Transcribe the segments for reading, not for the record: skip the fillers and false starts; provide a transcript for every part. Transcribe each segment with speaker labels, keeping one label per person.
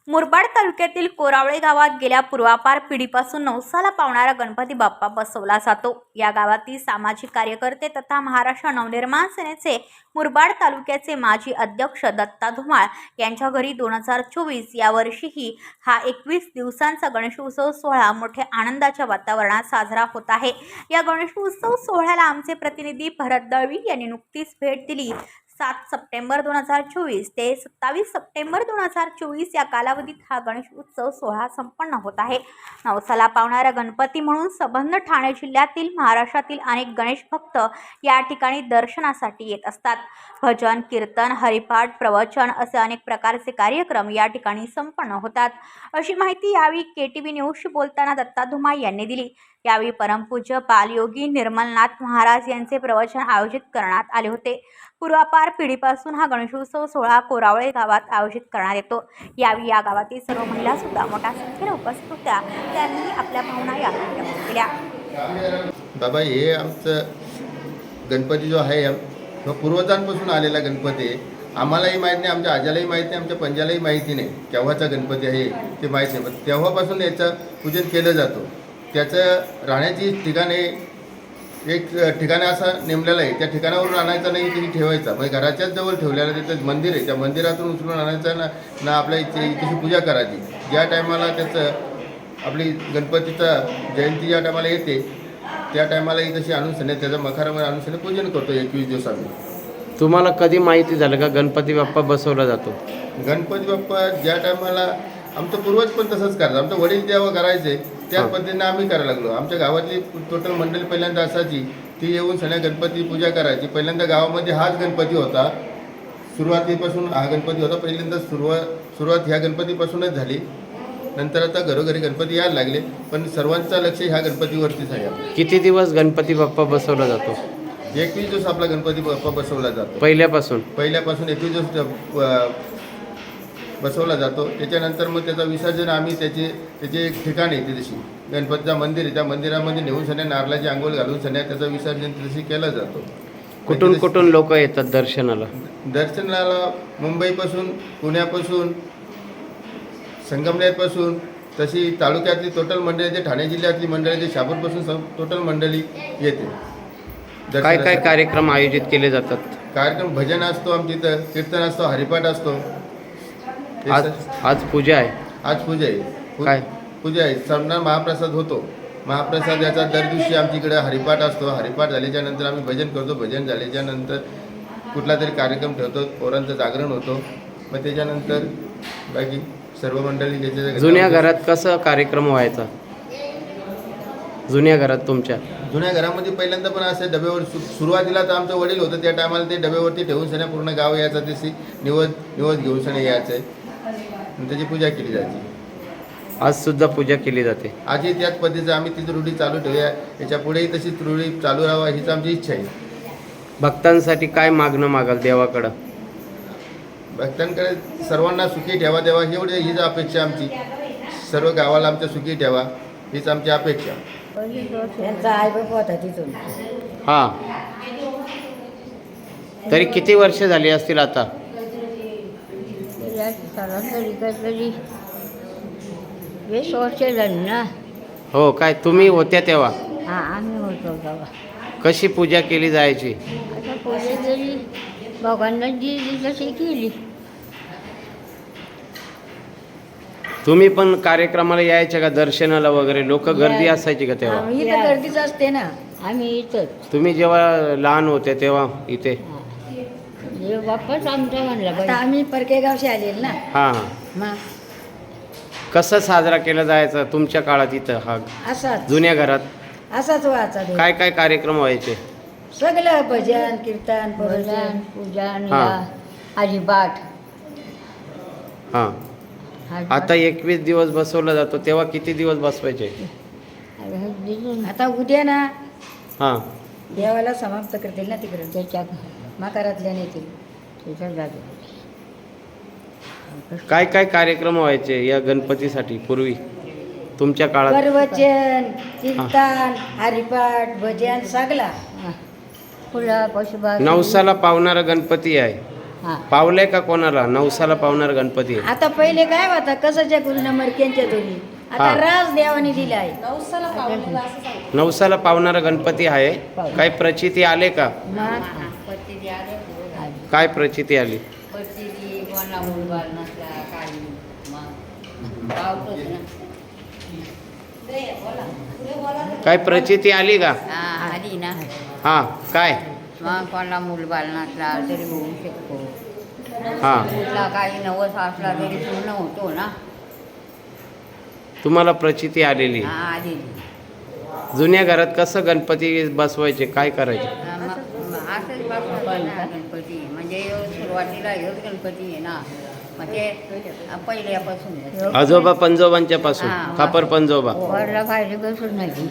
Speaker 1: मुरबाड तालुक्यातील कोरावळे गावात गेल्या पूर्वापार पिढीपासून नवसाला पावणारा गणपती बाप्पा बसवला जातो। या गावातील सामाजिक कार्यकर्ते तथा महाराष्ट्र नवनिर्माण सेनेचे मुरबाड तालुक्याचे माजी अध्यक्ष दत्ता धुमाळ यांच्या घरी 2024 या वर्षीही हा 21 दिवसांचा गणेशोत्सव सोहळा मोठ्या आनंदाच्या वातावरणात साजरा होत आहे। या गणेशोत्सव सोहळ्याला आमचे प्रतिनिधी भरत दळवी यांनी नुकतीच भेट दिली। 7 सप्टेंबर 2024 ते 27 सप्टेंबर 2024 या कालावधीत हा गणेश उत्सव सोहळा संपन्न होत आहे। नवसाला पावणारा गणपती म्हणून संबंध ठाणे जिल्ह्यातील महाराष्ट्रातील अनेक गणेश भक्त या ठिकाणी दर्शनासाठी येत असतात। भजन, कीर्तन, हरिपाठ, प्रवचन असे अनेक प्रकारचे कार्यक्रम या ठिकाणी संपन्न होतात, अशी माहिती यावेळी केटीव्ही न्यूजशी बोलताना दत्ता धुमाळ यांनी दिली। यावेळी परमपूज्य बालयोगी निर्मलनाथ महाराज यांचे प्रवचन आयोजित करण्यात आले होते। पूर्वापार पिढीपासून हा गणेशोत्सव सोहळा कोरावळे गावात आयोजित करण्यात येतो। यावेळी या गावातील सर्व महिला सुद्धा मोठ्या संख्येने उपस्थित होत्या। त्यांनी आपल्या भावना यावेळी व्यक्त केल्या।
Speaker 2: बाबा, हे आमचं गणपती जो आहे तो पूर्वजांपासून आलेला गणपती आहे। आम्हालाही माहीत नाही, आमच्या आजालाही माहीत नाही, आमच्या पंजालाही माहिती नाही केव्हाचा गणपती आहे ते माहीत नाही, पण तेव्हापासून याचं पूजन केलं जातं। त्याचं राहण्याची ठिकाणे एक ठिकाण असं नेमलेलं आहे, त्या ठिकाणावरून आणायचं नाही, तिथे ठेवायचा, म्हणजे घराच्याच जवळ ठेवलेलं तिथं मंदिर आहे, त्या मंदिरातून उचलून आणायचं ना आपल्या इथे पूजा करायची। ज्या टायमाला त्याचं आपली गणपतीचा जयंती ज्या टायमाला येते त्या टायमाला तशी आणून सणे त्याचं मखारामध्ये आणून सणे पूजन करतो 21 दिवस आम्ही।
Speaker 3: तुम्हाला कधी माहिती झालं का गणपती बाप्पा बसवला जातो?
Speaker 2: गणपती बाप्पा ज्या टायमाला आमचं पूर्वज पण तसंच करतात, आमचं वडील जेव्हा करायचे त्याच पद्धतीने आम्ही करायला लागलो। आमच्या गावातली टोटल मंडळी पहिल्यांदा असायची, ती येऊन सण्या गणपती पूजा करायची। पहिल्यांदा गावामध्ये हाच गणपती होता, सुरुवातीपासून हा गणपती होता। पहिल्यांदा सुरुवात ह्या गणपतीपासूनच झाली, नंतर आता घरोघरी गणपती यायला लागले, पण सर्वांचं लक्ष ह्या गणपतीवरतीच आहे।
Speaker 3: किती दिवस गणपती बाप्पा बसवला जातो?
Speaker 2: 21 दिवस आपला गणपती बाप्पा बसवला जातो।
Speaker 3: पहिल्यापासून
Speaker 2: 21 दिवस बसवला जातो। त्याच्यानंतर मग त्याचं विसर्जन आम्ही त्याचे एक ठिकाण आहे, तशी गणपतीचं मंदिर आहे, त्या मंदिरामध्ये नेऊन सण्या नारळाची आंघोळ घालून सण्या त्याचं विसर्जन तशी केलं जातो।
Speaker 3: कुठून लोक येतात दर्शनाला?
Speaker 2: मुंबईपासून, पुण्यापासून, संगमनेरपासून, तशी तालुक्यातली टोटल मंडळी, ठाणे जिल्ह्यातली मंडळी, शहापूरपासून टोटल मंडळी येते।
Speaker 3: काय कार्यक्रम आयोजित केले जातात?
Speaker 2: कार्यक्रम भजन असतो, आमच्या इथं कीर्तन असतो, हरिपाठ असतो।
Speaker 3: आज पूजा आहे?
Speaker 2: आज पूजा आहे।
Speaker 3: काय
Speaker 2: पूजा आहे? सामना महाप्रसाद होतो। महाप्रसाद याचा दर दिवशी आमच्याकडे हरिपाठ असतो। हरिपाठ झाल्याच्या नंतर आम्ही भजन करतो। भजन झाल्याच्या नंतर कुठला तरी कार्यक्रम ठेवतो, पोरांचं जागरण होतो। मग त्याच्यानंतर बाकी सर्व मंडळी त्याच्या
Speaker 3: जुन्या घरात कसं कार्यक्रम व्हायचा? जुन्या घरात तुमच्या
Speaker 2: जुन्या घरामध्ये पहिल्यांदा पण असे डब्यावर सुरुवातीला तर आमचं वडील होतं, त्या टायमाला ते डब्यावरती ठेवून सण्या पूर्ण गाव यायचा, तशी निवद घेऊन सण्या यायचं, त्याची पूजा केली जाते।
Speaker 3: आज सुद्धा पूजा केली जाते?
Speaker 2: आजही त्याच पद्धतीचं आम्ही तीच रूढी चालू ठेवूया, याच्या पुढेही तशीच रूढी चालू राहावा हीच आमची इच्छा आहे।
Speaker 3: भक्तांसाठी काय मागणं मागाल देवाकडं?
Speaker 2: भक्तांकडे सर्वांना सुखी ठेवा देवा, हीच अपेक्षा आमची। सर्व गावाला आमच्या सुखी ठेवा हीच आमची अपेक्षा।
Speaker 4: त्यांचा आई बाप होता तिथून।
Speaker 3: हां, तरी किती वर्ष झाली असतील आता?
Speaker 4: तरी 20 वर्ष झाली ना।
Speaker 3: हो, काय तुम्ही होत्या तेव्हा?
Speaker 4: हां, आम्ही होतो तेव्हा।
Speaker 3: कशी पूजा केली जायची?
Speaker 4: आता पूजा जरी भगवानला दिली तशी केली।
Speaker 3: तुम्ही पण कार्यक्रमाला यायचे का दर्शनाला वगैरे? लोक गर्दी असायची का तेव्हा?
Speaker 4: इथं गर्दीच असते ना, आम्ही इथंच।
Speaker 3: तुम्ही जेव्हा लहान होते तेव्हा इथे?
Speaker 4: बाप्पाच आमचा म्हणला, आम्ही परकेगावशी आलेल ना।
Speaker 3: हां हां,
Speaker 4: मग
Speaker 3: कसं साजरा केला जायचा तुमच्या काळात इथं? हा
Speaker 4: असाच
Speaker 3: जुन्या घरात
Speaker 4: असाच व्हायचा।
Speaker 3: काय कार्यक्रम व्हायचे?
Speaker 4: सगळं भजन, कीर्तन, प्रवचन, पूजन, हरिपाठ।
Speaker 3: हां, आता 21 दिवस बसवला जातो, तेव्हा किती दिवस बसवायचे?
Speaker 4: आता उद्या ना
Speaker 3: हां,
Speaker 4: देवाला समाप्त करतील ना तिकडे, त्याच्या मकारातल्या नेतील त्याच्या जागे।
Speaker 3: काय कार्यक्रम व्हायचे या गणपतीसाठी पूर्वी तुमच्या काळात?
Speaker 4: प्रवचन, कीर्तन, हरिपाठ, भजन सगळा। फुला पशुभा
Speaker 3: नवसाला पावणारा गणपती आहे,
Speaker 4: हां
Speaker 3: पावलंय का कोणाला? नवसाला पावणार गणपती आहे.
Speaker 4: आता पहिले काय होता कसाच्या गुरुना मरक्यांच्या दोन्ही आता
Speaker 3: हां.
Speaker 4: राज देवाने दिला आहे
Speaker 3: नवसाला पावणारा गणपती आहे. काही प्रचिती आले का? काय प्रचिती आली? काय प्रचिती आली का?
Speaker 4: आली ना
Speaker 3: हा काय?
Speaker 4: मग कोणाला मूलबाल नसला तरी होऊ शकतो
Speaker 3: हा
Speaker 4: कुठला काही नवस असला तरी पूर्ण होतो ना.
Speaker 3: तुम्हाला प्रचिती आलेली.
Speaker 4: आली
Speaker 3: जुन्या घरात कसं गणपती बसवायचे, काय करायचे?
Speaker 4: असंच बसवायचा गणपती म्हणजे सुरुवातीला हेच गणपती आहे ना. मग ते पहिल्यापासून
Speaker 3: आजोबा पंजोबांच्या पासून
Speaker 4: हा.
Speaker 3: खापर पंजोबा.
Speaker 4: वरला खायला बसून नाही.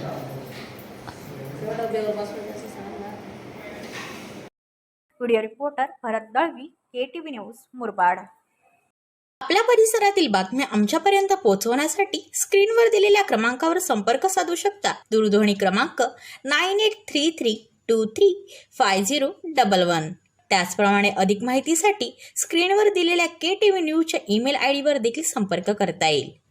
Speaker 1: Video reporter Bharat Dalvi, KTV news, Murbad.
Speaker 5: आपल्या परिसरातील बातम्या आमच्यापर्यंत पोहोचवण्यासाठी स्क्रीनवर दिलेल्या क्रमांकावर संपर्क साधू शकता. दूरध्वनी क्रमांक 9833235011. त्याचप्रमाणे अधिक माहितीसाठी स्क्रीनवर दिलेल्या KTV न्यूजच्या ईमेल ID वर देखील संपर्क करता येईल.